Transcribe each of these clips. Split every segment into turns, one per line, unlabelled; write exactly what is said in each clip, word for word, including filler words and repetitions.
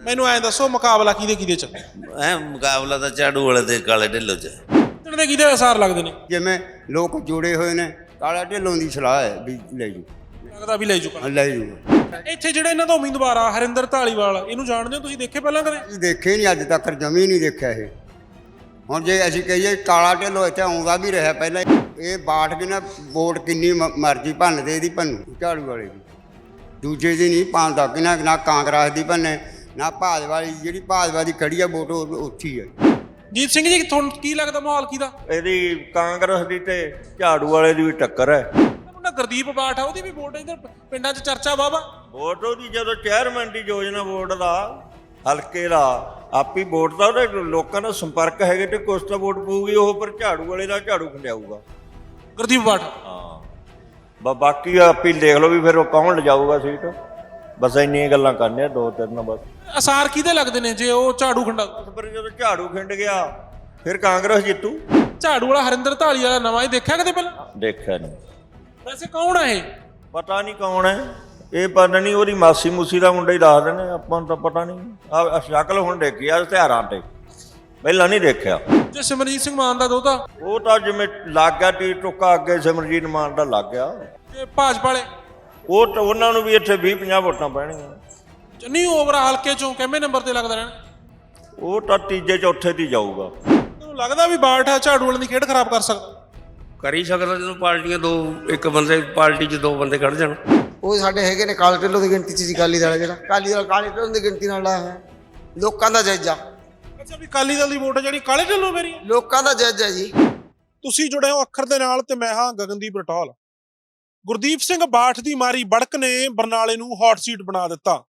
ਮੈਨੂੰ ਐਂ ਦੱਸੋ ਮੁਕਾਬਲਾ ਕਿਹਦੇ ਕਿਹਦੇ ਚ?
ਐ ਮੁਕਾਬਲਾ ਤਾਂ ਝਾੜੂ ਵਾਲੇ ਤੇ ਕਾਲੇ ਢਿੱਲੋਂ ਚ।
ਜਿੱਤਣ ਦੇ ਕਿਹਦੇ ਅਸਾਰ ਲੱਗਦੇ ਨੇ?
ਜਿਵੇਂ ਲੋਕ ਜੁੜੇ ਹੋਏ ਨੇ ਕਾਲਾ ਢਿੱਲੋਂ ਦੀ ਸਲਾਹ ਹੈ ਵੀ ਲੈ ਜੂ,
ਲੱਗਦਾ ਵੀ ਲੈ ਜੂਗਾ।
ਲੈ ਜੂਗਾ।
ਇੱਥੇ ਜਿਹੜੇ ਇਹਨਾਂ ਦਾ ਉਮੀਦਵਾਰ ਆ ਹਰਿੰਦਰ ਧਾਲੀਵਾਲ, ਇਹਨੂੰ ਜਾਣਦੇ ਹੋ ਤੁਸੀਂ? ਦੇਖੇ ਪਹਿਲਾਂ ਕਦੇ?
ਅਸੀਂ ਦੇਖੇ ਨਹੀਂ ਅੱਜ ਤੱਕ, ਜਮੀ ਨਹੀਂ ਦੇਖਿਆ ਇਹ। ਹੁਣ ਜੇ ਅਸੀਂ ਕਹੀਏ ਕਾਲਾ ਢਿੱਲੋਂ ਇੱਥੇ ਆਉਂਦਾ ਵੀ ਰਿਹਾ ਪਹਿਲਾਂ, ਇਹ ਬਾਠ ਕੇ ਨਾ ਵੋਟ ਕਿੰਨੀ ਮ- ਮਰਜ਼ੀ ਭੰਨਦੇ ਇਹਦੀ ਭੰਨੂ ਝਾੜੂ ਵਾਲੇ ਦੀ, ਦੂਜੇ ਦੀ ਨਹੀਂ ਪਾਉਂਦਾ ਕਿ ਨਾ ਨਾ ਕਾਂਗਰਸ ਦੀ ਭੰਨੇ ਨਾ ਭਾਜਪਾ ਦੀ। ਜਿਹੜੀ ਭਾਜਪਾ ਦੀ ਖੜੀ ਆ ਵੋਟ ਉਹ ਉੱਥੇ ਹੀ ਹੈ।
ਜੀਤ ਸਿੰਘ ਜੀ, ਤੁਹਾਨੂੰ ਕੀ ਲੱਗਦਾ ਮਾਹੌਲ ਕਿਹਦਾ?
ਇਹਦੀ ਕਾਂਗਰਸ ਦੀ ਤੇ ਝਾੜੂ ਵਾਲੇ ਦੀ ਵੀ ਟੱਕਰ ਹੈ।
ਮੁੰਡਾ ਗੁਰਦੀਪ ਬਾਠ ਆ, ਉਹਦੀ ਵੀ ਵੋਟ ਇੱਧਰ ਪਿੰਡਾਂ 'ਚ ਚਰਚਾ ਵਾਵਾ।
ਵੋਟ ਉਹਦੀ ਜਦੋਂ ਚੇਅਰਮੈਨ ਦੀ ਯੋਜਨਾ ਵੋਟ ਦਾ ਹਲਕੇ ਦਾ ਆਪੀ ਵੋਟ ਦਾ ਉਹਦੇ ਲੋਕਾਂ ਨਾਲ ਸੰਪਰਕ ਹੈਗੇ ਤੇ ਕੁਛ ਤਾਂ ਵੋਟ ਪਊਗੀ ਉਹ, ਪਰ ਝਾੜੂ ਵਾਲੇ ਦਾ ਝਾੜੂ ਖੰਡਿਆਊਗਾ
ਗੁਰਦੀਪ ਬਾਠ।
ਹਾਂ ਬਾ ਬਾਕੀ ਆਪੀ ਦੇਖ ਲਓ ਵੀ ਫਿਰ ਉਹ ਕੌਣ ਲਿਜਾਊਗਾ ਸੀਟ। ਬਸ ਇੰਨੀਆਂ ਗੱਲਾਂ ਕਰਨੀਆਂ ਦੋ ਤਿੰਨ ਬਸ।
ਅਸਾਰ ਕਿਹਦੇ ਲੱਗਦੇ ਨੇ ਜੇ ਉਹ ਝਾੜੂ ਖੰਡਾ?
ਪਰ ਜਦੋਂ ਝਾੜੂ ਖਿੰਡ ਗਿਆ ਫਿਰ ਕਾਂਗਰਸ ਜਿੱਤੂ।
ਝਾੜੂ ਵਾਲਾ ਹਰਿੰਦਰ ਧਾਲੀਵਾਲ ਵਾਲਾ ਨਵਾਂ, ਇਹ ਦੇਖਿਆ ਕਦੇ ਪਹਿਲਾਂ?
ਦੇਖਿਆ ਨਹੀਂ।
ਵੈਸੇ ਕੌਣ ਆ ਇਹ?
ਪਤਾ ਨਹੀਂ ਕੌਣ ਹੈ ਇਹ, ਪਤਾ ਨਹੀਂ ਉਹਦੀ ਮਾਸੀ ਮੂਸੀ ਦਾ ਮੁੰਡਾ ਹੀ ਦੱਸ ਦਿੰਦੇ, ਆਪਾਂ ਨੂੰ ਤਾਂ ਪਤਾ ਨਹੀਂ। ਆ ਸ਼ਕਲ ਹੁਣ ਦੇਖੀ ਆ ਇਸ਼ਤਿਹਾਰਾਂ ਤੇ, ਪਹਿਲਾਂ ਨਹੀਂ ਦੇਖਿਆ।
ਜੇ ਸਿਮਰਜੀਤ ਸਿੰਘ ਮਾਨ ਦਾ ਦੋਤਾ?
ਉਹ ਤਾਂ ਜਿਵੇਂ ਲੱਗ ਗਿਆ ਟੀ ਟੁੱਕਾ ਅੱਗੇ ਸਿਮਰਜੀਤ ਮਾਨ ਦਾ ਲੱਗ ਗਿਆ।
ਤੇ ਭਾਜਪਾ ਵਾਲੇ?
ਉਹ ਤਾਂ ਉਹਨਾਂ ਨੂੰ ਵੀ ਇੱਥੇ ਵੀਹ ਪੰਜਾਹ ਵੋਟਾਂ ਪੈਣਗੀਆਂ।
ਨਹੀਂ, ਓਵਰ ਹਲਕੇ ਚੋਂ ਕਿੰਨੇ ਨੰਬਰ ਤੇ ਲੱਗਦਾ ਰਹਿਣਾ?
ਉਹ ਤਾਂ ਤੀਜੇ ਚੌਥੇ ਤੇ ਜਾਊਗਾ।
ਤੁਹਾਨੂੰ ਲੱਗਦਾ ਵੀ ਬਾਠ ਆ ਝਾੜੂ ਵਾਲਿਆਂ ਦੀ ਖੇਡ ਖਰਾਬ ਕਰ ਸਕਦਾ?
ਕਰ ਹੀ ਸਕਦਾ ਜਦੋਂ ਪਾਰਟੀਆਂ ਦੋ, ਇੱਕ ਬੰਦੇ ਪਾਰਟੀ 'ਚ ਦੋ ਬੰਦੇ ਖੜ ਜਾਣ।
ਉਹ ਸਾਡੇ ਹੈਗੇ ਨੇ ਕਾਲੇ ਢਿੱਲੋਂ ਦੀ ਗਿਣਤੀ 'ਚ ਜੀ, ਅਕਾਲੀ ਦਲ ਜਿਹੜਾ ਅਕਾਲੀ ਦਲ ਕਾਲੇ ਢਿੱਲੋਂ ਦੀ ਗਿਣਤੀ ਨਾਲ ਆਇਆ ਹੈ। ਲੋਕਾਂ ਦਾ ਜਾਇਜ਼ਾ।
ਅੱਛਾ, ਵੀ ਅਕਾਲੀ ਦਲ ਦੀ ਵੋਟ ਜਿਹੜੀ ਕਾਲੇ ਢਿੱਲੋਂ ਮੇਰੀ?
ਲੋਕਾਂ ਦਾ ਜਾਇਜ਼ਾ ਜੀ।
ਤੁਸੀਂ ਜੁੜੇ ਹੋ ਅੱਖਰ ਦੇ ਨਾਲ ਤੇ ਮੈਂ ਹਾਂ ਗਗਨਦੀਪ ਰਟੌਲ। ਗੁਰਦੀਪ ਸਿੰਘ ਬਾਠ ਦੀ ਮਾਰੀ ਬੜਕ ਨੇ ਬਰਨਾਲੇ ਨੂੰ ਹੌਟ ਸੀਟ ਬਣਾ ਦਿੱਤਾ।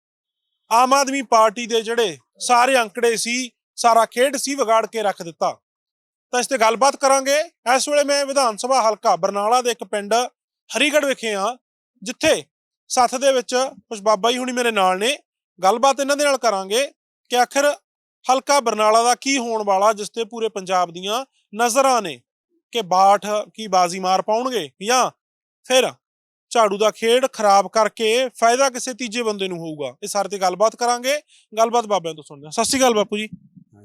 ਆਮ ਆਦਮੀ ਪਾਰਟੀ ਦੇ ਜਿਹੜੇ ਸਾਰੇ ਅੰਕੜੇ ਸੀ, ਸਾਰਾ ਖੇਡ ਸੀ, ਵਿਗਾੜ ਕੇ ਰੱਖ ਦਿੱਤਾ। ਤਾਂ ਇਸ ਤੇ ਗੱਲਬਾਤ ਕਰਾਂਗੇ। ਇਸ ਵੇਲੇ ਮੈਂ ਵਿਧਾਨ ਸਭਾ ਹਲਕਾ ਬਰਨਾਲਾ ਦੇ ਇੱਕ ਪਿੰਡ ਹਰੀਗੜ੍ਹ ਵਿਖੇ ਹਾਂ, ਜਿੱਥੇ ਸੱਥ ਦੇ ਵਿੱਚ ਕੁਝ ਬਾਬਾ ਜੀ ਹੁਣੀ ਮੇਰੇ ਨਾਲ ਨੇ। ਗੱਲਬਾਤ ਇਹਨਾਂ ਦੇ ਨਾਲ ਕਰਾਂਗੇ ਕਿ ਆਖਿਰ ਹਲਕਾ ਬਰਨਾਲਾ ਦਾ ਕੀ ਹੋਣ ਵਾਲਾ, ਜਿਸ ਤੇ ਪੂਰੇ ਪੰਜਾਬ ਦੀਆਂ ਨਜ਼ਰਾਂ ਨੇ ਕਿ ਬਾਠ ਕੀ ਬਾਜ਼ੀ ਮਾਰ ਪਾਉਣਗੇ ਜਾਂ ਫਿਰ ਝਾੜੂ ਦਾ ਖੇਡ ਖਰਾਬ ਕਰਕੇ ਫਾਇਦਾ ਕਿਸੇ ਤੀਜੇ ਬੰਦੇ ਨੂੰ ਹੋਊਗਾ। ਇਹ ਸਾਰੇ ਤੇ ਗੱਲਬਾਤ ਕਰਾਂਗੇ। ਗੱਲਬਾਤ ਬਾਬਿਆਂ ਤੋਂ ਸੁਣਦੇ ਹਾਂ। ਸਤਿ ਸ਼੍ਰੀ ਅਕਾਲ ਬਾਪੂ ਜੀ।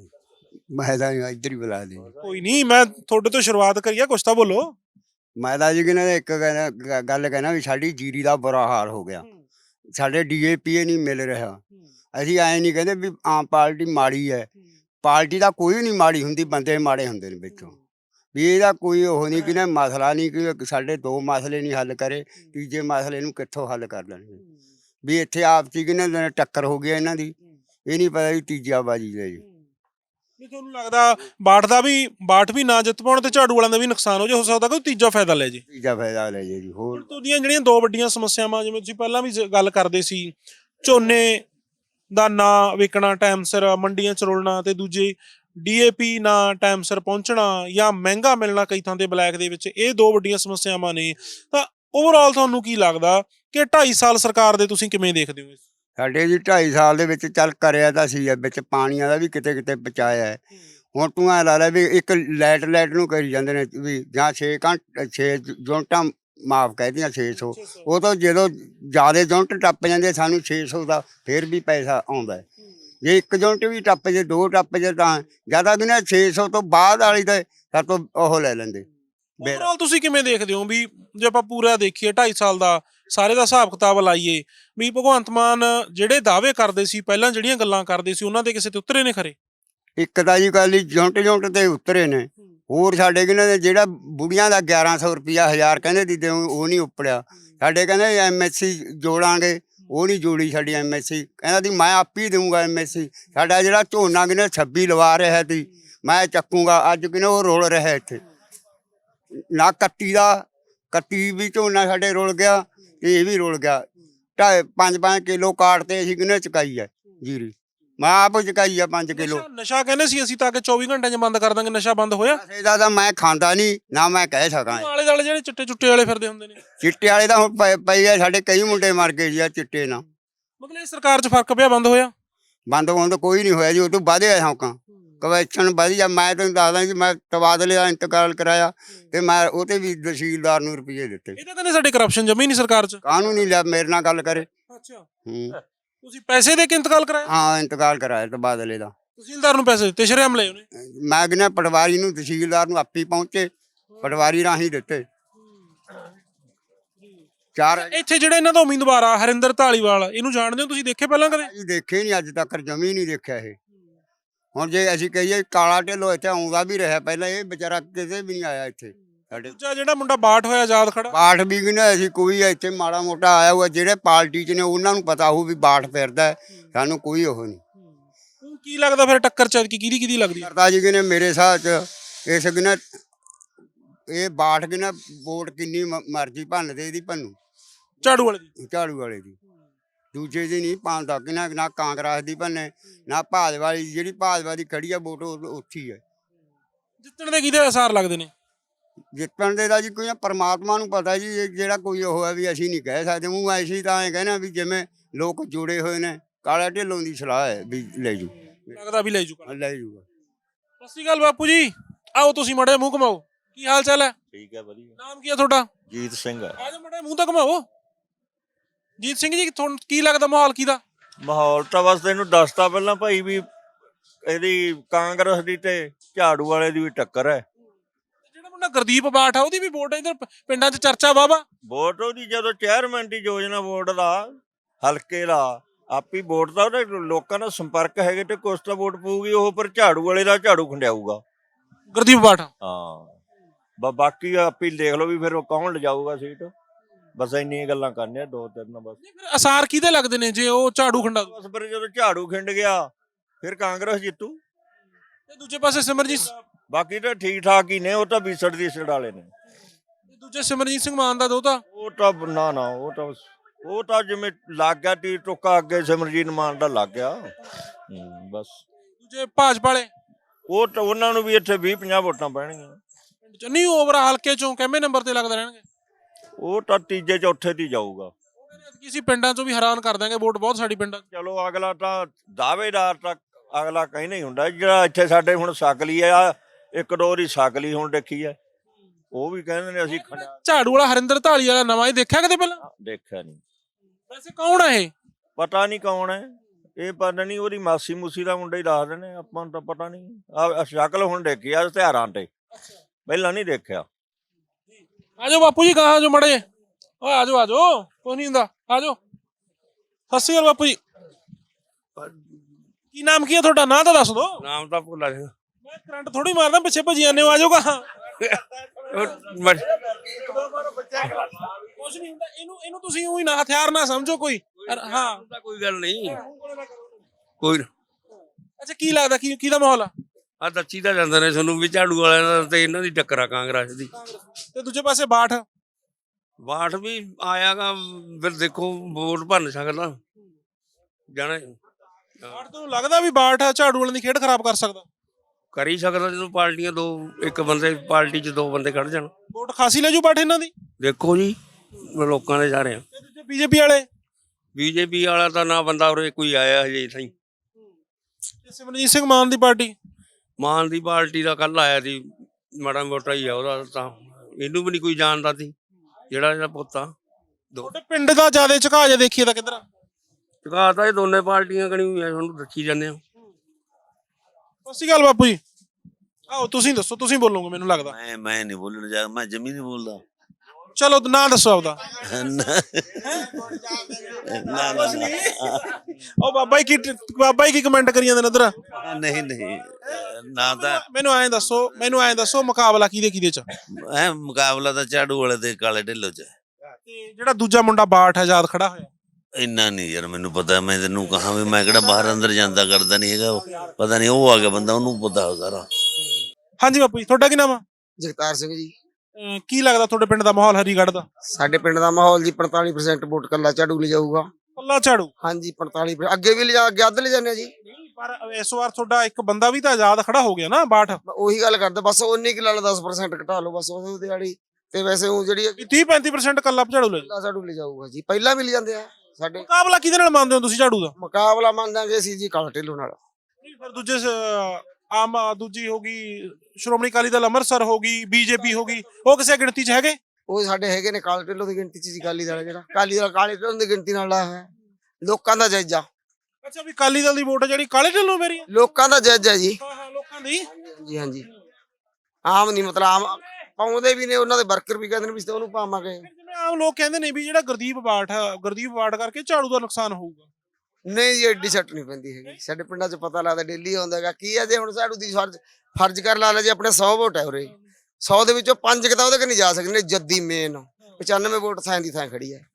ਮੈਂ ਤਾਂ ਇੱਧਰ ਹੀ ਬੁਲਾ ਦੇ।
ਕੋਈ ਨਹੀਂ, ਮੈਂ ਤੁਹਾਡੇ ਤੋਂ ਸ਼ੁਰੂਆਤ ਕਰੀਏ, ਕੁਛ ਤਾਂ ਬੋਲੋ।
ਮੈਂ ਤਾਂ ਜੀ ਕਹਿੰਦਾ ਇੱਕ ਕਹਿਣਾ ਗੱਲ ਕਹਿਣਾ ਵੀ ਸਾਡੀ ਜੀਰੀ ਦਾ ਬੁਰਾ ਹਾਲ ਹੋ ਗਿਆ। ਸਾਡੇ ਡੀ ਏ ਪੀ ਨਹੀਂ ਮਿਲ ਰਿਹਾ। ਅਸੀਂ ਐਂ ਨਹੀਂ ਕਹਿੰਦੇ ਵੀ ਆਮ ਪਾਰਟੀ ਮਾੜੀ ਹੈ, ਪਾਰਟੀ ਦਾ ਕੋਈ ਨਹੀਂ ਮਾੜੀ ਹੁੰਦੀ, ਬੰਦੇ ਮਾੜੇ ਹੁੰਦੇ ਨੇ ਵਿੱਚੋਂ। ਵੀ ਇਹਦਾ ਕੋਈ ਉਹ ਨਹੀਂ ਕਿ ਨਾ ਮਸਲਾ ਨਹੀਂ ਕਿ ਸਾਡੇ ਦੋ ਮਸਲੇ ਨਹੀਂ ਹੱਲ ਕਰੇ, ਤੀਜੇ ਮਸਲੇ ਨੂੰ ਕਿੱਥੋਂ ਹੱਲ ਕਰ ਲੈਣਗੇ। ਵੀ ਇੱਥੇ ਆਪ 'ਚ ਕਿਹਨਾਂ ਟੱਕਰ ਹੋ ਗਿਆ ਇਹਨਾਂ ਦੀ, ਇਹ ਨਹੀਂ ਪਤਾ ਵੀ ਤੀਜਾ ਬਾਜੀ ਲੈ ਜੀ।
ਨਹੀਂ, ਤੁਹਾਨੂੰ ਲੱਗਦਾ ਬਾਠ ਦਾ ਵੀ ਬਾਠ ਵੀ ਨਾ ਜਿੱਤ ਪਾਉਣ ਤੇ ਝਾੜੂ ਵਾਲਿਆਂ ਦਾ ਵੀ ਨੁਕਸਾਨ ਹੋ ਜੇ? ਹੋ ਸਕਦਾ ਕੋਈ ਤੀਜਾ ਫਾਇਦਾ ਲੈ ਜੇ।
ਤੀਜਾ ਫਾਇਦਾ ਲੈ ਜੇ ਜੀ। ਹੋਰ
ਤੁਹਾਡੀਆਂ ਜਿਹੜੀਆਂ ਦੋ ਵੱਡੀਆਂ ਸਮੱਸਿਆਵਾਂ, ਜਿਵੇਂ ਤੁਸੀਂ ਪਹਿਲਾਂ ਵੀ ਗੱਲ ਕਰਦੇ ਸੀ, ਝੋਨੇ ਦਾ ਨਾ ਵਿਕਣਾ ਟਾਈਮ ਸਿਰ, ਮੰਡੀਆਂ ਚ ਰੁਲਣਾ, ਤੇ ਦੂਜੇ ਡੀ ਏ ਪੀ ਨਾ ਟਾਈਮ ਸਿਰ ਪਹੁੰਚਣਾ ਜਾਂ ਮਹਿੰਗਾ ਮਿਲਣਾ ਕਈ ਥਾਂ ਤੇ ਬਲੈਕ ਦੇ ਵਿੱਚ, ਇਹ ਦੋ ਵੱਡੀਆਂ ਸਮੱਸਿਆਵਾਂ ਨੇ। ਤਾਂ ਓਵਰਆਲ ਤੁਹਾਨੂੰ ਕੀ ਲੱਗਦਾ ਕਿ ਢਾਈ ਸਾਲ ਸਰਕਾਰ ਦੇ ਤੁਸੀਂ ਕਿਵੇਂ ਦੇਖਦੇ ਹੋ?
ਸਾਡੇ ਜੀ ਢਾਈ ਸਾਲ ਦੇ ਵਿੱਚ ਚੱਲ ਕਰਿਆ ਤਾਂ ਸੀ, ਵਿੱਚ ਪਾਣੀਆਂ ਦਾ ਵੀ ਕਿਤੇ ਕਿਤੇ ਬਚਾਇਆ ਹੈ। ਹੁਣ ਤੂੰ ਐ ਲਾ ਲੈ ਵੀ ਇੱਕ ਲਾਈਟ ਲਾਈਟ ਨੂੰ ਕਰੀ ਜਾਂਦੇ ਨੇ ਵੀ ਜਾਂ ਛੇ ਘੰਟੇ ਛੇ ਯੂਨਿਟਾਂ ਮਾਫ ਕਹਿਦੀਆਂ ਛੇ ਸੌ, ਉਹ ਤਾਂ ਜਦੋਂ ਜ਼ਿਆਦਾ ਯੂਨਿਟ ਟੱਪ ਜਾਂਦੇ ਸਾਨੂੰ ਛੇ ਸੌ ਦਾ ਫਿਰ ਵੀ ਪੈਸਾ ਆਉਂਦਾ। ਜੇ ਇੱਕ ਯੂਨਿਟ ਵੀ ਟੱਪ ਜੇ, ਦੋ ਟੱਪ ਜੇ, ਤਾਂ ਜ਼ਿਆਦਾ ਵੀ ਨਾ ਛੇ ਸੌ ਤੋਂ ਬਾਅਦ ਵਾਲੀ ਤਾਂ ਸਾਡੇ ਤੋਂ ਉਹ ਲੈ ਲੈਂਦੇ।
ਓਵਰਆਲ ਤੁਸੀਂ ਕਿਵੇਂ ਦੇਖਦੇ ਹੋ ਵੀ ਜੇ ਆਪਾਂ ਪੂਰਾ ਦੇਖੀਏ ਢਾਈ ਸਾਲ ਦਾ ਸਾਰੇ ਦਾ ਹਿਸਾਬ ਕਿਤਾਬ ਲਾਈਏ, ਵੀ ਭਗਵੰਤ ਮਾਨ ਜਿਹੜੇ ਦਾਅਵੇ ਕਰਦੇ ਸੀ ਪਹਿਲਾਂ, ਜਿਹੜੀਆਂ ਗੱਲਾਂ ਕਰਦੇ ਸੀ, ਉਹਨਾਂ ਦੇ ਕਿਸੇ ਤੇ ਉਤਰੇ ਨੇ ਖਰੇ?
ਇੱਕ ਤਾਂ ਜੀ ਗੱਲ ਯੂਨਿਟ ਯੂਨਿਟ ਤੇ ਉਤਰੇ ਨੇ। ਹੋਰ ਸਾਡੇ ਕਿਹਨਾਂ ਦੇ ਜਿਹੜਾ ਬੁੜੀਆਂ ਦਾ ਗਿਆਰਾਂ ਸੌ ਰੁਪਇਆ ਹਜ਼ਾਰ ਕਹਿੰਦੇ ਦੀ ਦਿਓ, ਉਹ ਨਹੀਂ ਉੱਪੜਿਆ। ਸਾਡੇ ਕਹਿੰਦੇ ਐਮ ਐਸ ਸੀ ਜੋੜਾਂਗੇ, ਉਹ ਨਹੀਂ ਜੋੜੀ ਸਾਡੀ ਐਮ ਐਸ ਸੀ। ਕਹਿੰਦਾ ਦੀ ਮੈਂ ਆਪ ਹੀ ਦੇਊਂਗਾ ਐਮ ਐਸ ਸੀ। ਸਾਡਾ ਜਿਹੜਾ ਝੋਨਾ ਕਿਨੇ ਛੱਬੀ ਲਵਾ ਰਿਹਾ ਸੀ, ਮੈਂ ਚੱਕੂਗਾ, ਅੱਜ ਕਿਨੇ ਉਹ ਰੁਲ ਰਿਹਾ ਇੱਥੇ ਨਾ। ਕੱਟੀ ਦਾ ਕੱਟੀ ਵੀ ਝੋਨਾ ਸਾਡੇ ਰੁਲ ਗਿਆ ਤੇ ਇਹ ਵੀ ਰੁਲ ਗਿਆ। ਢਾਈ ਪੰਜ ਪੰਜ ਕਿਲੋ ਕਾਟ ਤੇ ਅਸੀਂ ਕਿਨੇ ਚੁਕਾਈ ਹੈ ਜੀਰੀ, ਮੈਂ ਆਪ ਚੁਕਾਈ ਆ ਪੰਜ ਕਿਲੋ।
ਨਸ਼ਾ ਕਹਿੰਦੇ ਸੀ ਅਸੀਂ ਤਾਂ ਕਿ ਚੌਵੀ ਘੰਟਿਆਂ 'ਚ ਬੰਦ ਕਰ ਦਾਂਗੇ, ਨਸ਼ਾ ਬੰਦ ਹੋਇਆ?
ਇਹਦਾ ਤਾਂ ਮੈਂ ਖਾਂਦਾ ਨਹੀਂ ਨਾ, ਮੈਂ ਕਹਿ ਸਕਾਂ।
ਆਲੇ ਦੁਆਲੇ ਜਿਹੜੇ ਚਿੱਟੇ ਚੁੱਟੇ ਵਾਲੇ ਫਿਰਦੇ ਹੁੰਦੇ ਨੇ,
ਚਿੱਟੇ ਵਾਲੇ ਤਾਂ ਹੁਣ ਪਈ ਆ, ਸਾਡੇ ਕਈ ਮੁੰਡੇ ਮਰ ਗਏ ਜੀ ਆ ਚਿੱਟੇ ਨਾਲ।
ਮਤਲਬ ਇਹ ਸਰਕਾਰ 'ਚ ਫਰਕ ਪਿਆ, ਬੰਦ ਹੋਇਆ?
ਬੰਦ ਹੋਣ ਤਾਂ ਕੋਈ ਨਹੀਂ ਹੋਇਆ ਜੀ, ਉਹ ਤੋਂ ਵਧਿਆ ਸੌਕਾਂ ਕਵੈਕਸ਼ਨ ਵਧੀਆ। ਮੈਂ ਤੁਹਾਨੂੰ ਦੱਸਦਾ ਜੀ, ਮੈਂ ਤਬਾਦਲੇ ਦਾ ਇੰਤਕਾਲ ਕਰਾਇਆ ਤੇ ਮੈਂ ਉਹ ਤੇ ਵੀ ਤਹਿਸੀਲਦਾਰ ਨੂੰ ਰੁਪਈਏ ਦਿੱਤੇ।
ਇਹ ਤਾਂ ਕਹਿੰਦੇ ਸਾਡੇ ਕਰਪਸ਼ਨ ਜਮੀ ਨਹੀਂ ਸਰਕਾਰ 'ਚ।
ਕਾਹਨੂੰ ਨਹੀਂ ਲਿਆ, ਮੇਰੇ ਨਾਲ ਗੱਲ ਕਰੇ।
ਅੱਛਾ,
ਹੂੰ
ਤੁਸੀਂ ਪੈਸੇ ਦੇ ਕੇ ਇੰਤਕਾਲ ਕਰਾਇਆ?
ਹਾਂ ਇੰਤਕਾਲ ਕਰਾਇਆ ਤਾਂ ਬਾਦਲੇ ਦਾ।
ਤਹਿਸੀਲਦਾਰ ਨੂੰ ਪੈਸੇ ਦਿੱਤੇ ਸ਼ਰੇਆਮ ਲਏ ਉਹਨੇ?
ਮੈਂ ਕਹਿੰਦਾ ਪਟਵਾਰੀ ਨੂੰ ਤਹਿਸੀਲਦਾਰ ਨੂੰ ਆਪੇ ਪਹੁੰਚੇ, ਪਟਵਾਰੀ ਰਾਹੀਂ ਦਿੱਤੇ ਚਾਰ।
ਇੱਥੇ ਜਿਹੜਾ ਇਹਨਾਂ ਦਾ ਉਮੀਦਵਾਰ ਆ ਹਰਿੰਦਰ ਧਾਲੀਵਾਲ, ਇਹਨੂੰ ਜਾਣਦੇ ਹੋ ਤੁਸੀਂ? ਦੇਖੇ ਪਹਿਲਾਂ ਕਦੇ?
ਜੀ ਦੇਖੇ ਨਹੀਂ ਅੱਜ ਤੱਕ, ਜਮੀ ਨਹੀਂ ਦੇਖਿਆ ਇਹ। ਹੁਣ ਜੇ ਅਸੀਂ ਕਹੀਏ ਕਾਲਾ ਢਿੱਲੋਂ ਇੱਥੇ ਆਉਂਦਾ ਵੀ ਰਿਹਾ ਪਹਿਲਾਂ, ਇਹ ਵਿਚਾਰਾ ਕਿਸੇ ਵੀ ਨਹੀਂ ਆਇਆ ਇੱਥੇ ਸਾਡੇ।
ਦੂਜਾ ਜਿਹੜਾ ਮੁੰਡਾ ਬਾਠ ਹੋਇਆ ਆਜ਼ਾਦ ਖੜਾ,
ਬਾਠ ਵੀ ਕਿਨੇ ਅਸੀਂ ਕੋਈ ਇੱਥੇ ਮਾੜਾ ਮੋਟਾ ਆਇਆ ਹੋਇਆ, ਜਿਹੜੇ ਪਾਰਟੀ 'ਚ ਨੇ ਉਹਨਾਂ ਨੂੰ ਪਤਾ ਹੋਊ ਵੀ ਬਾਠ ਫਿਰਦਾ ਹੈ, ਸਾਨੂੰ ਕੋਈ ਉਹ ਨਹੀਂ।
ਹੁਣ ਕੀ ਲੱਗਦਾ ਫਿਰ ਟੱਕਰ ਚ ਕੀ ਕਿਹਦੀ ਕਿਹਦੀ ਲੱਗਦੀ?
ਕਰਤਾ ਜੀ ਕਿਨੇ ਮੇਰੇ ਹਿਸਾਬ 'ਚ ਇਸ ਕਿਨੇ ਇਹ ਬਾਠ ਕਿਨੇ ਵੋਟ ਕਿੰਨੀ ਮ- ਮਰਜ਼ੀ ਭੰਨਦੇ ਇਹਦੀ ਭੰਨੂ,
ਝਾੜੂ ਵਾਲੇ ਦੀ।
ਝਾੜੂ ਵਾਲੇ ਦੀ, ਦੂਜੇ ਦੀ ਨਹੀਂ ਪਾਉਂਦਾ ਕਿਨਾ, ਨਾ ਕਾਂਗਰਸ ਦੀ ਭੰਨੇ ਨਾ ਭਾਜਪਾ ਦੀ। ਜਿਹੜੀ ਭਾਜਪਾ ਦੀ ਖੜੀ ਆ ਵੋਟ ਉਹ ਉੱਥੀ ਹੈ।
ਜਿੱਤਣ ਦੇ ਕਿਹਦੇ ਅਸਾਰ ਲੱਗਦੇ ਨੇ?
ਜਿੱਤਣ ਦੇ ਦਾ ਜੀ ਕੋਈ ਪਰਮਾਤਮਾ ਨੂੰ ਪਤਾ ਜੀ, ਇਹ ਜਿਹੜਾ ਕੋਈ ਉਹ ਹੈ ਵੀ ਅਸੀਂ ਨਹੀਂ ਕਹਿ ਸਕਦੇ। ਮੂੰਹ ਐਸੀ ਤਾਂ ਐਂ ਕਹਿਣਾ ਵੀ ਜਿਵੇਂ ਲੋਕ ਜੁੜੇ ਹੋਏ ਨੇ, ਕਾਲਾ ਢਿੱਲੋਂ ਦੀ ਸਲਾਹ ਹੈ ਵੀ ਲੈ ਜੂ,
ਲੱਗਦਾ ਵੀ ਲੈ ਜੂਗਾ।
ਲੈ ਜੂਗਾ।
ਸਤਿ ਸ਼੍ਰੀ ਅਕਾਲ ਬਾਪੂ ਜੀ, ਆਓ ਤੁਸੀਂ ਮੜੇ ਮੂੰਹ ਘਮਾਓ। ਕੀ ਹਾਲ ਚਾਲ ਹੈ?
ਠੀਕ ਹੈ, ਵਧੀਆ।
ਨਾਮ ਕੀ ਹੈ ਤੁਹਾਡਾ?
ਜੀਤ ਸਿੰਘ ਆ।
ਆ ਜਾ ਮੜੇ ਮੂੰਹ ਤਾਂ ਘਮਾਓ। ਜੀਤ ਸਿੰਘ ਜੀ, ਤੁਹਾਨੂੰ ਕੀ ਲੱਗਦਾ ਮਾਹੌਲ ਕਿਹਦਾ?
ਮਾਹੌਲ ਤਾਂ ਬਸ ਤੈਨੂੰ ਦੱਸਤਾ ਪਹਿਲਾਂ ਭਾਈ ਵੀ ਇਹਦੀ ਕਾਂਗਰਸ ਦੀ ਤੇ ਝਾੜੂ ਵਾਲੇ ਦੀ ਵੀ ਟੱਕਰ ਹੈ।
ਜਿਹੜਾ ਮੁੰਡਾ ਗੁਰਦੀਪ ਬਾਠ ਆ ਉਹਦੀ ਵੀ ਵੋਟ ਇਧਰ ਪਿੰਡਾਂ 'ਚ ਚਰਚਾ ਵਾਵਾ।
ਵੋਟ ਉਹਦੀ ਜਦੋਂ ਚੇਅਰਮੈਨ ਦੀ ਯੋਜਨਾ ਵੋਟ ਦਾ ਹਲਕੇ ਦਾ ਆਪੀ ਵੋਟ ਦਾ ਉਹਦੇ ਲੋਕਾਂ ਨਾਲ ਸੰਪਰਕ ਹੈਗੇ ਤੇ ਕੁਛ ਤਾਂ ਵੋਟ ਪਊਗੀ ਉਹ, ਪਰ ਝਾੜੂ ਵਾਲੇ ਦਾ ਝਾੜੂ ਖੰਡਿਆਊਗਾ।
ਗੁਰਦੀਪ ਬਾਠ
ਹਾਂ ਬਾ ਬਾਕੀ ਆਪੀ ਦੇਖ ਲਓ ਵੀ ਫਿਰ ਉਹ ਕੌਣ ਲਿਜਾਊਗਾ ਸੀਟ। ਬਸ ਇੰਨੀਆਂ ਗੱਲਾਂ ਕਰਨੀਆਂ ਦੋ ਤਿੰਨ ਬਸ।
ਫਿਰ ਅਸਾਰ ਕਿਹਦੇ ਲੱਗਦੇ ਨੇ ਜੇ ਉਹ ਝਾੜੂ ਖੰਡਾ ਦੂ?
ਬਸ ਫਿਰ ਜਦੋਂ ਝਾੜੂ ਖਿੰਡ ਗਿਆ ਫਿਰ ਕਾਂਗਰਸ ਜਿੱਤੂ।
ਤੇ ਦੂਜੇ ਪਾਸੇ ਸਿਮਰਜੀਤ,
ਬਾਕੀ ਤਾਂ ਠੀਕ ਠਾਕ ਹੀ ਨੇ, ਉਹ ਤਾਂ ਬੀਸੜ ਦੀ ਸਿੜ ਵਾਲੇ ਨੇ।
ਦੂਜੇ ਸਿਮਰਜੀਤ ਸਿੰਘ ਮਾਨ ਦਾ ਦੋਤਾ।
ਉਹ ਤਾਂ ਨਾ ਨਾ ਉਹ ਤਾਂ ਉਹ ਤਾਂ ਜਿਵੇਂ ਲੱਗ ਗਿਆ ਟੀ ਟੁੱਕਾ ਅੱਗੇ ਸਿਮਰਜੀਤ ਮਾਨ ਦਾ ਲੱਗ ਗਿਆ। ਹੂੰ ਬਸ।
ਦੂਜੇ ਭਾਜਪਾ ਵਾਲੇ,
ਉਹ ਤਾਂ ਉਹਨਾਂ ਨੂੰ ਵੀ ਇੱਥੇ ਵੀਹ ਪੰਜਾਹ ਵੋਟਾਂ ਪੈਣਗੀਆਂ।
ਪਿੰਡ 'ਚ ਨਹੀਂ ਓਵਰ ਹਲਕੇ ਚੋਂ ਕਿੰਨੇ ਨੰਬਰ ਤੇ ਲੱਗਦੇ ਰਹਿਣਗੇ?
ਉਹ ਤਾਂ ਤੀਜੇ ਚੌਥੇ ਤੇ ਜਾਊਗਾ।
ਕਿਸੇ ਪਿੰਡਾਂ 'ਚੋਂ ਵੀ ਹੈਰਾਨ ਕਰ ਦਾਂਗੇ, ਵੋਟ ਬਹੁਤ ਸਾਡੀ ਪਿੰਡਾਂ 'ਚ।
ਚਲੋ ਅਗਲਾ ਤਾਂ ਦਾਅਵੇਦਾਰ ਤਾਂ ਅਗਲਾ ਕहीं ਨਹੀਂ ਹੁੰਦਾ। ਜਿਹੜਾ ਇੱਥੇ ਸਾਡੇ ਹੁਣ ਸਾਕਲੀ ਆ, ਇੱਕ ਦੋ ਦੀ ਸਾਕਲੀ ਹੁਣ ਦੇਖੀ ਹੈ, ਉਹ ਵੀ ਕਹਿੰਦੇ ਨੇ ਅਸੀਂ ਖੰਡਿਆ।
ਝਾੜੂ ਵਾਲਾ ਹਰਿੰਦਰ ਧਾਲੀ ਵਾਲਾ ਨਵਾਂ ਹੀ ਦੇਖਿਆ ਕਦੇ ਪਹਿਲਾਂ?
ਦੇਖਿਆ ਨਹੀਂ,
ਵੈਸੇ ਕੌਣ ਹੈ ਇਹ?
ਪਤਾ ਨਹੀਂ ਕੌਣ ਹੈ ਇਹ, ਪਤਾ ਨਹੀਂ ਉਹਦੀ ਮਾਸੀ ਮੂਸੀ ਦਾ ਮੁੰਡਾ ਹੀ ਦੱਸਦੇ ਨੇ, ਆਪਾਂ ਨੂੰ ਤਾਂ ਪਤਾ ਨਹੀਂ। ਆ ਸ਼ਕਲ ਹੁਣ ਦੇਖੀ ਆ ਤਿਉਹਾਰਾਂ ਤੇ, ਪਹਿਲਾਂ ਨਹੀਂ ਦੇਖਿਆ।
ਆਜੋ ਬਾਪੂ ਜੀ, ਕਹਾਂ ਜੋ ਮੜੇ ਓਏ, ਆਜੋ ਆਜੋ, ਕੋਈ ਨਹੀਂ ਹੁੰਦਾ, ਆਜੋ। ਸਤਿ ਸ਼੍ਰੀ ਅਕਾਲ ਬਾਪੂ ਜੀ, ਕੀ ਨਾਮ ਕੀ ਹੈ ਤੁਹਾਡਾ? ਨਾਂ ਤਾਂ ਦੱਸ ਦੋ।
ਨਾਮ ਤਾਂ ਭੁੱਲਾ ਜੀ।
ਮੈਂ ਕਰੰਟ ਥੋੜੀ ਮਾਰਦਾ, ਪਿੱਛੇ ਭੱਜੀ ਜਾਂਦੇ ਹੋ, ਆਜੋ ਕਹਾਂ। ਕੁਛ ਨਹੀਂ ਹੁੰਦਾ, ਇਹਨੂੰ ਇਹਨੂੰ ਤੁਸੀਂ ਉਹੀ ਨਾ ਹਥਿਆਰ ਨਾ ਸਮਝੋ ਕੋਈ। ਹਾਂ
ਕੋਈ ਗੱਲ ਨਹੀਂ, ਕੋਈ।
ਅੱਛਾ, ਕੀ ਲੱਗਦਾ ਕੀ ਕਿਹਦਾ ਮਾਹੌਲ ਆ?
ਆ ਦੱਸੀ ਤਾਂ ਜਾਂਦੇ ਨੇ ਤੁਹਾਨੂੰ ਵੀ ਝਾੜੂ ਵਾਲਿਆਂ ਦਾ ਤੇ ਇਹਨਾਂ ਦੀ ਟੱਕਰ ਆ ਕਾਂਗਰਸ ਦੀ।
ਤੇ ਦੂਜੇ ਪਾਸੇ ਬਾਠ
ਵਾਟ ਵੀ ਆਇਆਗਾ, ਫਿਰ ਦੇਖੋ ਵੋਟ ਭੰਨ ਸਕਦਾ ਜਾਣਾ।
ਬਾਠ ਤੋਂ ਲੱਗਦਾ ਵੀ ਬਾਠ ਆ ਝਾੜੂ ਵਾਲਿਆਂ ਦੀ ਖੇਡ ਖਰਾਬ ਕਰ ਸਕਦਾ?
ਕਰ ਹੀ ਸਕਦਾ ਜਦੋਂ ਪਾਰਟੀਆਂ ਦੋ, ਇੱਕ ਬੰਦੇ ਪਾਰਟੀ 'ਚ ਦੋ ਬੰਦੇ ਖੜ ਜਾਣ।
ਵੋਟ ਖਾਸੀ ਲੈ ਜੂ ਬਾਠ ਇਹਨਾਂ ਦੀ।
ਦੇਖੋ ਜੀ ਲੋਕਾਂ ਦੇ ਜਾ ਰਹੇ ਆ।
ਤੇ ਦੂਜੇ ਬੀਜੇਪੀ ਵਾਲੇ,
ਬੀਜੇਪੀ ਵਾਲਾ ਤਾਂ ਨਾ ਬੰਦਾ ਉਰੇ ਕੋਈ ਆਇਆ ਹਜੇ ਤਾਈਂ।
ਤੇ ਸਿਮਰਜੀਤ ਸਿੰਘ ਮਾਨ ਦੀ ਪਾਰਟੀ,
ਮਾਨ ਦੀ ਪਾਰਟੀ ਦਾ ਕੱਲ ਆਇਆ ਸੀ, ਮਾੜਾ ਮੋਟਾ ਹੀ ਆ ਉਹਦਾ ਤਾਂ, ਇਹਨੂੰ ਵੀ ਨਹੀਂ ਕੋਈ ਜਾਣਦਾ ਸੀ ਜਿਹੜਾ ਇਹਦਾ ਪੋਤਾ।
ਤੁਹਾਡੇ ਪਿੰਡ ਦਾ ਜਿਆਦਾ ਝੁਕਾ ਜਾ ਦੇਖੀਏ ਤਾਂ ਕਿੱਧਰ ਆ?
ਝੁਕਾ ਤਾਂ ਇਹ ਦੋਨੇ ਪਾਰਟੀਆਂ ਕਣੀ ਹੋਈਆਂ, ਤੁਹਾਨੂੰ ਦੱਸੀ ਜਾਂਦੇ ਆ।
ਸਤਿ ਸ਼੍ਰੀ ਅਕਾਲ ਬਾਪੂ ਜੀ, ਆਓ ਤੁਸੀਂ ਦੱਸੋ, ਤੁਸੀਂ ਬੋਲੋਗੇ ਮੈਨੂੰ ਲੱਗਦਾ।
ਮੈਂ ਮੈਂ ਨਹੀਂ ਬੋਲਣ ਜਾ, ਮੈਂ ਜਮੀ ਨਹੀਂ ਬੋਲਦਾ।
ਚਲੋ ਨਾਂ ਦੱਸੋ ਆਪਦਾ।
ਨਾ ਨਾ
ਉਹ ਬਾਬਾ ਜੀ ਕੀ ਬਾਬਾ ਜੀ ਕੀ ਕਮੈਂਟ ਕਰੀ ਜਾਂਦੇ ਨੇ ਉਧਰ?
ਨਹੀਂ ਨਹੀਂ ਨਾ ਤਾਂ
ਮੈਨੂੰ ਐਂ ਦੱਸੋ, ਮੈਨੂੰ ਐਂ ਦੱਸੋ ਮੁਕਾਬਲਾ ਕਿਹਦੇ ਕਿਹਦੇ ਚ?
ਐ ਮੁਕਾਬਲਾ ਤਾਂ ਝਾੜੂ ਵਾਲੇ ਤੇ ਕਾਲੇ ਢਿੱਲੋਂ ਚ।
ਤੇ ਜਿਹੜਾ ਦੂਜਾ ਮੁੰਡਾ ਬਾਠ ਆਜ਼ਾਦ ਖੜਾ ਹੋਇਆ,
ਇੰਨਾ ਨਹੀਂ ਯਾਰ ਮੈਨੂੰ ਪਤਾ। ਮੈਂ ਤੈਨੂੰ ਕਹਾਂ ਵੀ ਮੈਂ ਕਿਹੜਾ ਬਾਹਰ ਅੰਦਰ ਜਾਂਦਾ ਕਰਦਾ ਨਹੀਂ ਹੈਗਾ, ਉਹ ਪਤਾ ਨਹੀਂ ਉਹ ਆ ਗਿਆ ਬੰਦਾ, ਉਹਨੂੰ ਪਤਾ ਹੋ ਸਾਰਾ।
ਹਾਂਜੀ ਬਾਪੂ ਜੀ, ਤੁਹਾਡਾ ਕੀ ਨਾਮ ਆ?
ਜਗਤਾਰ ਸਿੰਘ ਜੀ।
ਅਹ ਕੀ ਲੱਗਦਾ ਤੁਹਾਡੇ ਪਿੰਡ ਦਾ ਮਾਹੌਲ ਹਰੀਗੜ੍ਹ ਦਾ?
ਸਾਡੇ ਪਿੰਡ ਦਾ ਮਾਹੌਲ ਜੀ ਪੰਤਾਲੀ ਪ੍ਰਸੈਂਟ ਵੋਟ ਕੱਲਾ ਝਾੜੂ ਲੈ ਜਾਊਗਾ।
ਪੱਲਾ ਝਾੜੂ?
ਹਾਂਜੀ ਪੰਤਾਲੀ percent, ਅੱਗੇ ਵੀ ਲਿਜਾ, ਅੱਗੇ ਅੱਧ ਲੈ ਜਾਂਦੇ ਆ ਜੀ।
ਪਰ ਇਸ ਵਾਰ ਤੁਹਾਡਾ ਇੱਕ ਬੰਦਾ ਵੀ ਤਾਂ ਆਜ਼ਾਦ ਖੜਾ ਹੋ ਗਿਆ ਨਾ, ਬਾਠ।
ਉਹੀ ਗੱਲ ਕਰਦਾ, ਬਸ ਉਨੀ ਕਿ ਲਾ ਲਓ, ਦਸ percent ਘਟਾ ਲਓ ਬਸ ਉਹਦੇ ਦਿਹਾੜੀ ਤੇ। ਵੈਸੇ ਉਹ ਜਿਹੜੀ
ਤੀਹ ਪੈਂਤੀ percent ਕੱਲਾ ਝਾੜੂ ਲੈ ਜਾਊ।
ਝਾੜੂ ਲੈ ਜਾਊਗਾ ਜੀ, ਪਹਿਲਾਂ ਵੀ ਲੈ ਜਾਂਦੇ ਆ ਸਾਡੇ।
ਮੁਕਾਬਲਾ ਕਿਹਦੇ ਨਾਲ ਮੰਨਦੇ ਹੋ ਤੁਸੀਂ ਝਾੜੂ ਦਾ?
ਮੁਕਾਬਲਾ ਮੰਨਾਂਗੇ ਅਸੀਂ ਜੀ ਕਾਲਾ ਢਿੱਲੋਂ ਨਾਲ।
ਫਿਰ ਦੂਜੇ ਸ- ਆਮ ਦੂਜੀ ਹੋ ਗਈ ਸ਼੍ਰੋਮਣੀ ਅਕਾਲੀ ਦਲ ਅੰਮ੍ਰਿਤਸਰ ਹੋ ਗਈ, ਬੀਜੇਪੀ ਹੋ ਗਈ, ਉਹ ਕਿਸੇ ਗਿਣਤੀ 'ਚ ਹੈਗੇ?
ਉਹ ਸਾਡੇ ਹੈਗੇ ਨੇ ਕਾਲੇ ਢਿੱਲੋਂ ਦੀ ਗਿਣਤੀ ਚ ਜੀ। ਅਕਾਲੀ ਦਲ ਜਿਹੜਾ ਅਕਾਲੀ ਦਲ ਕਾਲੇ ਢਿੱਲੋਂ ਦੀ ਗਿਣਤੀ ਨਾਲ ਆਇਆ ਹੈ। ਲੋਕਾਂ ਦਾ ਜਾਇਜ਼ਾ
ਅੱਛਾ ਵੀ ਅਕਾਲੀ ਦਲ ਦੀ ਵੋਟ ਹੈ ਜਿਹੜੀ ਕਾਲੇ ਢਿੱਲੋਂ ਮੇਰੀ ਹੈ?
ਲੋਕਾਂ ਦਾ ਜਾਇਜ਼ਾ ਜੀ
ਹਾਂ ਹਾਂ ਲੋਕਾਂ ਦੀ।
ਹਾਂਜੀ ਹਾਂਜੀ ਆਮ ਨਹੀਂ ਮਤਲਬ ਆਮ ਪਾਉਂਦੇ ਵੀ ਨੇ ਉਹਨਾਂ ਦੇ ਵਰਕਰ ਵੀ ਕਹਿੰਦੇ ਨੇ ਵੀ ਅਸੀਂ ਤਾਂ ਉਹਨੂੰ ਪਾਵਾਂਗੇ।
ਜਿਵੇਂ ਆਮ ਲੋਕ ਕਹਿੰਦੇ ਨੇ ਵੀ ਜਿਹੜਾ ਗੁਰਦੀਪ ਬਾਠ ਆ, ਗੁਰਦੀਪ ਬਾਠ ਕਰਕੇ ਝਾੜੂ ਦਾ ਨੁਕਸਾਨ ਹੋਊਗਾ।
ਨਹੀਂ ਜੀ ਐਡੀ ਸੱਟ ਨਹੀਂ ਪੈਂਦੀ ਹੈਗੀ ਸਾਡੇ ਪਿੰਡਾਂ 'ਚ ਪਤਾ ਲੱਗਦਾ ਡੇਲੀ ਆਉਂਦਾ ਹੈਗਾ ਕੀ ਹੈ ਜੇ ਹੁਣ ਝਾੜੂ ਦੀ ਫਰਜ਼ ਫਰਜ਼ ਕਰ ਲਾ ਲੈ ਜੇ ਆਪਣੇ ਸੌ ਵੋਟ ਹੈ ਉਰੇ ਸੌ ਦੇ ਵਿੱਚੋਂ ਪੰਜ ਕਿ ਤਾਂ ਉਹਦੇ ਕਿ ਨਹੀਂ ਜਾ ਸਕਦੇ ਨੇ ਜੱਦੀ ਮੇਨ ਪਚਾਨਵੇਂ ਵੋਟ ਥਾਂ ਦੀ ਥਾਂ ਖੜੀ ਹੈ।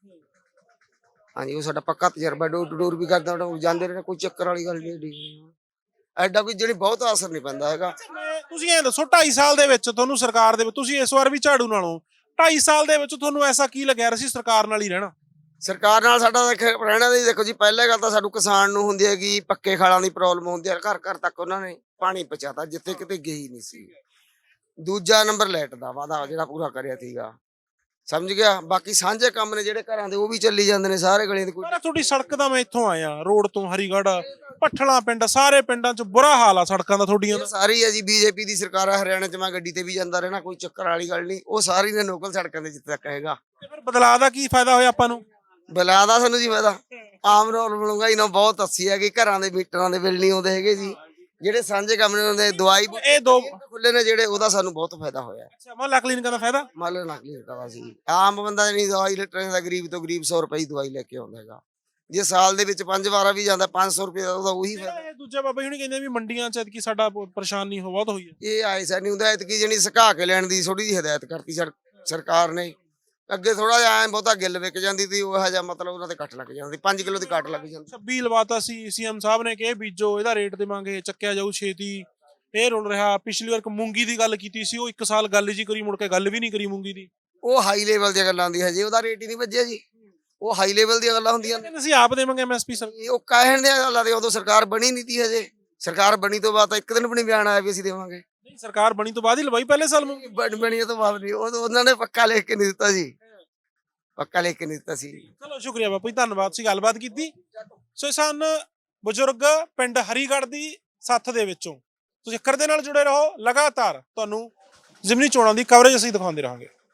ਹਾਂਜੀ ਉਹ ਸਾਡਾ ਪੱਕਾ ਤਜਰਬਾ ਡੋਰ ਟੂ ਡੋਰ ਵੀ ਕਰਦਾ ਉਹਨਾਂ ਜਾਂਦੇ ਰਹੇ ਕੋਈ ਚੱਕਰ ਵਾਲੀ ਗੱਲ ਨਹੀਂ ਐਡੀ ਐਡਾ ਕੋਈ ਜਿਹੜੀ ਬਹੁਤ ਅਸਰ ਨਹੀਂ ਪੈਂਦਾ ਹੈਗਾ।
ਮੈਂ- ਤੁਸੀਂ ਇਹ ਦੱਸੋ ਢਾਈ ਸਾਲ ਦੇ ਵਿੱਚ ਤੁਹਾਨੂੰ ਸਰਕਾਰ ਦੇ ਵਿੱਚ ਤੁਸੀਂ ਇਸ ਵਾਰ ਵੀ ਝਾੜੂ ਨਾਲੋਂ ਢਾਈ ਸਾਲ ਦੇ ਵਿੱਚ ਤੁਹਾਨੂੰ ਐਸਾ ਕੀ ਲੱਗਿਆ ਅਸੀਂ ਸਰਕਾਰ ਨਾਲ ਹੀ ਰਹਿਣਾ?
ਸਰਕਾਰ ਨਾਲ ਸਾਡਾ ਦੇਖ ਰਹਿਣਾ ਦੀ ਦੇਖੋ ਜੀ ਪਹਿਲੇ ਗੱਲ ਤਾਂ ਸਾਨੂੰ ਕਿਸਾਨ ਨੂੰ ਹੁੰਦੀ ਹੈਗੀ ਪੱਕੇ ਖਾਲਾਂ ਦੀ ਪ੍ਰੋਬਲਮ ਹੁੰਦੀ ਹੈ ਘਰ ਘਰ ਤੱਕ ਉਹਨਾਂ ਨੇ ਪਾਣੀ ਪਹੁੰਚਾਤਾ ਜਿੱਥੇ ਕਿਤੇ ਗਈ ਨਹੀਂ ਸੀ। ਦੂਜਾ ਨੰਬਰ ਲਾਈਟ ਦਾ ਵਾਅਦਾ ਜਿਹੜਾ ਪੂਰਾ ਕਰਿਆ ਸੀਗਾ ਸਮਝ ਗਿਆ। ਬਾਕੀ ਸਾਂਝੇ ਕੰਮ ਨੇ ਜਿਹੜੇ ਘਰਾਂ ਦੇ ਉਹ ਵੀ ਚੱਲੀ ਜਾਂਦੇ ਨੇ ਸਾਰੇ ਗਲੀਆਂ ਦੇ ਕੋਈ
ਪਰ ਤੁਹਾਡੀ ਸੜਕ ਦਾ ਮੈਂ ਇੱਥੋਂ ਆਇਆ ਰੋਡ ਤੋਂ ਹਰੀਗੜ੍ਹ ਪੱਠਲਾ ਪਿੰਡ ਸਾਰੇ ਪਿੰਡਾਂ 'ਚ ਬੁਰਾ ਹਾਲ ਆ ਸੜਕਾਂ ਦਾ ਤੁਹਾਡੀਆਂ ਦਾ।
ਇਹ ਸਾਰੀ ਹੈ ਜੀ ਬੀਜੇਪੀ ਦੀ ਸਰਕਾਰ ਹੈ ਹਰਿਆਣਾ 'ਚ ਮੈਂ ਗੱਡੀ ਤੇ ਵੀ ਜਾਂਦਾ ਰਹਿਣਾ ਕੋਈ ਚੱਕਰ ਵਾਲੀ ਗੱਲ ਨਹੀਂ ਉਹ ਸਾਰੀ ਨੇ ਲੋਕਲ ਸੜਕਾਂ ਦੇ ਜਿੱਥੇ ਤੱਕ ਹੈਗਾ।
ਤੇ ਫਿਰ ਬਦਲਾਅ ਦਾ ਕੀ ਫਾਇਦਾ ਹੋਇਆ ਆਪਾਂ ਨੂੰ?
ਬੁਲਾ ਦਾ ਸਾਨੂੰ ਜੀ ਫਾਇਦਾ ਆਮ ਰੋਲ ਮਿਲੂਗਾ ਇਹਨਾਂ ਬਹੁਤ ਅੱਛੀ ਹੈ ਕਿ ਘਰਾਂ ਦੇ ਮੀਟਰਾਂ ਦੇ ਬਿੱਲ ਨਹੀਂ ਆਉਂਦੇ ਹੈਗੇ ਜੀ ਜਿਹੜੇ ਸਾਂਝੇ ਕੰਮ ਨੇ ਹੁੰਦੇ ਦਵਾਈ
ਇਹ ਦੋ
ਖੁੱਲੇ ਨੇ ਜਿਹੜੇ ਉਹਦਾ ਸਾਨੂੰ ਬਹੁਤ ਫਾਇਦਾ ਹੋਇਆ।
ਅੱਛਾ ਮਹੱਲਾ ਕਲੀਨਿਕਾਂ ਦਾ ਫਾਇਦਾ?
ਮੰਨ ਲਓ ਨਕਲੀ ਹਟਾਵਾ ਸੀ ਆਮ ਬੰਦਾ ਨਹੀਂ ਦਵਾਈ ਲੈਣ ਦਾ ਗਰੀਬ ਤੋਂ ਗਰੀਬ ਸੌ ਰੁਪਏ ਦੀ ਦਵਾਈ ਲੈ ਕੇ ਆਉਂਦਾ ਹੈਗਾ ਜੇ ਸਾਲ ਦੇ ਵਿੱਚ ਪੰਜ ਵਾਰਾ ਵੀ ਜਾਂਦਾ ਪੰਜ ਸੌ ਰੁਪਏ ਦਾ ਉਹਦਾ ਉਹੀ ਫਾਇਦਾ।
ਇਹ ਦੂਜਾ ਬਾਬਾ ਜੀ ਹੁਣੀ ਕਹਿੰਦੇ ਵੀ ਮੰਡੀਆਂ 'ਚ ਐਤਕੀ ਸਾਡਾ ਪ- ਪਰੇਸ਼ਾਨੀ ਹੋ ਬਹੁਤ ਹੋਈ ਹੈ।
ਇਹ ਆਏ ਸਾ ਨਹੀਂ ਹੁੰਦਾ ਇਤਕੀ ਜਣੀ ਸੁਕਾ ਕੇ ਲੈਣ ਦੀ ਥੋੜੀ ਜਿਹੀ ਹਦਾਇਤ ਕਰਤੀ ਸਰ- ਸਰਕਾਰ ਨੇ। ਅੱਗੇ ਥੋੜਾ ਜਿਹਾ ਐ ਬਹੁਤਾ ਗਿੱਲ ਵਿਕ ਜਾਂਦੀ ਸੀ ਉਹ ਜਿਹਾ ਮਤਲਬ ਉਹਨਾਂ ਤੇ ਕੱਟ ਲੱਗ ਜਾਂਦੀ ਪੰਜ ਕਿਲੋ ਦੀ ਕੱਟ ਲੱਗ ਜਾਂਦੀ।
ਛੱਬੀ ਲਵਾਤਾ ਸੀ ਸੀਐਮ ਸਾਹਿਬ ਨੇ ਕਿ ਇਹ ਬੀਜੋ ਇਹਦਾ ਰੇਟ ਦੇਵਾਂਗੇ ਚੱਕਿਆ ਜਾਊ ਛੇਤੀ ਇਹ ਰੁਲ ਰਿਹਾ। ਪਿਛਲੀ ਵਾਰ ਇੱਕ ਮੂੰਗੀ ਦੀ ਗੱਲ ਕੀਤੀ ਸੀ ਉਹ ਇੱਕ ਸਾਲ ਗੱਲ ਜੀ ਕਰੀ ਮੁੜ ਕੇ ਗੱਲ ਵੀ ਨਹੀਂ ਕਰੀ ਮੂੰਗੀ ਦੀ।
ਉਹ ਹਾਈ ਲੈਵਲ ਦੀਆਂ ਗੱਲਾਂ ਹੁੰਦੀਆਂ ਜੀ ਉਹਦਾ ਰੇਟ ਹੀ ਨਹੀਂ ਵੱਜਿਆ ਜੀ ਉਹ ਹਾਈ ਲੈਵਲ ਦੀਆਂ ਗੱਲਾਂ ਹੁੰਦੀਆਂ ਨੇ।
ਕਹਿੰਦੇ ਅਸੀਂ ਆਪ ਦੇਵਾਂਗੇ ਐਮਐਸਪੀ ਸਰ।
ਇਹ ਉਹ ਕਹਿਣ ਦੀਆਂ ਗੱਲਾਂ ਦੇ ਉਦੋਂ ਸਰਕਾਰ ਬਣੀ ਨਹੀਂ ਤੀ ਹਜੇ ਸਰਕਾਰ ਬਣੀ ਤੋਂ ਬਾਅਦ ਤਾਂ ਇੱਕ ਦਿਨ ਵੀ ਨਹੀਂ ਬਿਆਨ ਆਇਆ ਵੀ ਅਸੀਂ ਦੇਵਾਂਗੇ।
ਨਹੀਂ ਸਰਕਾਰ ਬਣੀ ਤੋਂ ਬਾਅਦ ਹੀ ਲਵਾਈ ਪਹਿਲੇ ਸਾਲ ਮੂੰਗੀ।
ਬਣ ਬਣੀ ਤੋਂ ਬਾਅਦ ਨਹੀਂ ਉਹ ਉਹਨਾਂ ਨੇ ਪੱਕਾ ਲਿਖ ਕੇ ਨਹੀਂ ਦਿੱਤਾ ਜੀ ਪੱਕਾ ਲਿਖ ਕੇ ਨਹੀਂ ਦਿੱਤਾ ਸੀ।
ਚਲੋ ਸ਼ੁਕਰੀਆ ਬਾਪੂ ਜੀ ਧੰਨਵਾਦ ਸੀ ਗੱਲਬਾਤ ਕੀਤੀ। ਸੋ ਸਨ ਬਜ਼ੁਰਗ ਪਿੰਡ ਹਰੀਗੜ੍ਹ ਦੀ ਸੱਥ ਦੇ ਵਿੱਚੋਂ। ਤੁਸੀਂ ਅੱਖਰ ਦੇ ਨਾਲ ਜੁੜੇ ਰਹੋ ਲਗਾਤਾਰ ਤੁਹਾਨੂੰ ਜ਼ਿਮਨੀ ਚੋਣਾਂ ਦੀ ਕਵਰੇਜ ਅਸੀਂ ਦਿਖਾਉਂਦੇ ਰਹਾਂਗੇ।